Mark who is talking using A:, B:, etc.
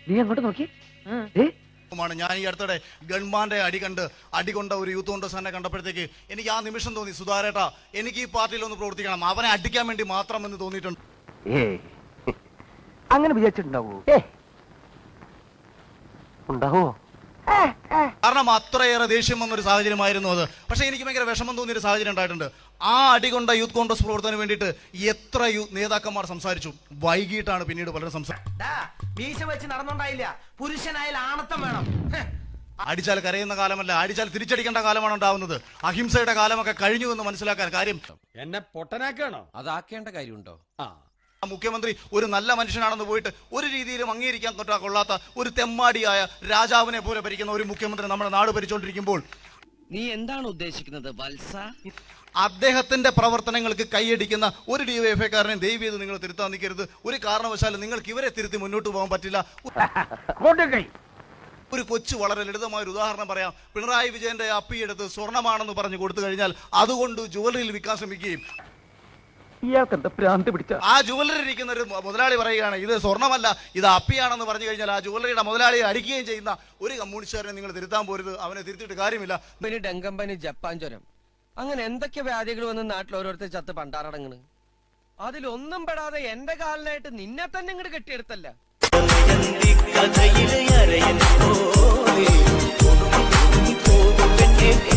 A: നീ അങ്ങോട്ട് നോക്കി.
B: ഞാൻ ഈ അടുത്തിടെ ഗൺമാന്റെ അടികൊണ്ട ഒരു യൂത്ത് കോൺഗ്രസ് കണ്ടപ്പോഴത്തേക്ക് എനിക്ക് ആ നിമിഷം തോന്നി, സുധാരേട്ടാ എനിക്ക് ഈ പാർട്ടിയിൽ ഒന്ന് പ്രവർത്തിക്കണം, അവനെ അടിക്കാൻ വേണ്ടി മാത്രം എന്ന് തോന്നിയിട്ടുണ്ട്.
A: അങ്ങനെ വിചാരിച്ചിട്ടുണ്ടാവോ? ഉണ്ടാവോ?
B: കാരണം അത്രയേറെ ദേഷ്യം വന്നൊരു സാഹചര്യമായിരുന്നു അത്. പക്ഷെ എനിക്ക് ഭയങ്കര വിഷമം തോന്നിയൊരു സാഹചര്യം ഉണ്ടായിട്ടുണ്ട്. ആ അടികൊണ്ട യൂത്ത് കോൺഗ്രസ് പ്രവർത്തനം വേണ്ടിയിട്ട് എത്ര നേതാക്കന്മാർ സംസാരിച്ചു, വൈകിട്ടാണ് പിന്നീട് പലരും അടിച്ചാൽ കരയുന്ന കാലമല്ല, അടിച്ചാൽ തിരിച്ചടിക്കേണ്ട കാലമാണ് ഉണ്ടാവുന്നത്. അഹിംസയുടെ കാലമൊക്കെ കഴിഞ്ഞു എന്ന് മനസ്സിലാക്കാൻ കാര്യം
C: എന്നെ പൊട്ടനാക്കാണോ? അതാക്കേണ്ട കാര്യമുണ്ടോ?
B: മുഖ്യമന്ത്രി ഒരു നല്ല മനുഷ്യനാണെന്ന് പോയിട്ട് ഒരു രീതിയിലും അംഗീകരിക്കാൻ കൊള്ളാത്ത ഒരു തെമ്മാടിയായ രാജാവിനെ പോലെ ഭരിക്കുന്ന ഒരു മുഖ്യമന്ത്രി നമ്മുടെ നാട് ഭരിച്ചുകൊണ്ടിരിക്കുമ്പോൾ
D: നീ എന്താണ് ഉദ്ദേശിക്കുന്നത് വത്സ?
B: അദ്ദേഹത്തിന്റെ പ്രവർത്തനങ്ങൾക്ക് കൈയടിക്കുന്ന ഒരു ഡിവൈഎഫ്ഐക്കാരനെ ദയവ് ചെയ്ത് നിങ്ങൾ തിരുത്താൻ നിൽക്കരുത്. ഒരു കാരണവശാലും നിങ്ങൾക്ക് ഇവരെ തിരുത്തി മുന്നോട്ട് പോകാൻ പറ്റില്ല. ഒരു കൊച്ചു വളരെ ലളിതമായ ഒരു ഉദാഹരണം പറയാം. പിണറായി വിജയന്റെ അപ്പിയെടുത്ത് സ്വർണ്ണമാണെന്ന് പറഞ്ഞു കൊടുത്തു കഴിഞ്ഞാൽ അതുകൊണ്ട് ജുവലറിയിൽ വിൽക്കാൻ ശ്രമിക്കുകയും ആ ജുവലറി ഇരിക്കുന്ന ഒരു മുതലാളി പറയുകയാണ് ഇത് സ്വർണ്ണമല്ല ഇത് അപ്പിയാണെന്ന് പറഞ്ഞു കഴിഞ്ഞാൽ ആ ജുവലറിയുടെ മുതലാളിയെ അടിക്കുകയും ചെയ്യുന്ന ഒരു കമ്മ്യൂണിസ്റ്റുകാരനെ നിങ്ങൾ തിരുത്താൻ പോരുത്. അവനെ തിരുത്തിയിട്ട് കാര്യമില്ല.
D: ഡെങ്കമ്പനി, ജപ്പാൻ ജ്വരം, അങ്ങനെ എന്തൊക്കെ വ്യാധികൾ വന്ന് നാട്ടിൽ ഓരോരുത്തർ ചത്ത് പണ്ടാറടങ്ങണ്. അതിലൊന്നും പെടാതെ എന്റെ കാലിനായിട്ട് നിന്നെ തന്നെ ഇങ്ങോട്ട് കെട്ടിയെടുത്തല്ല.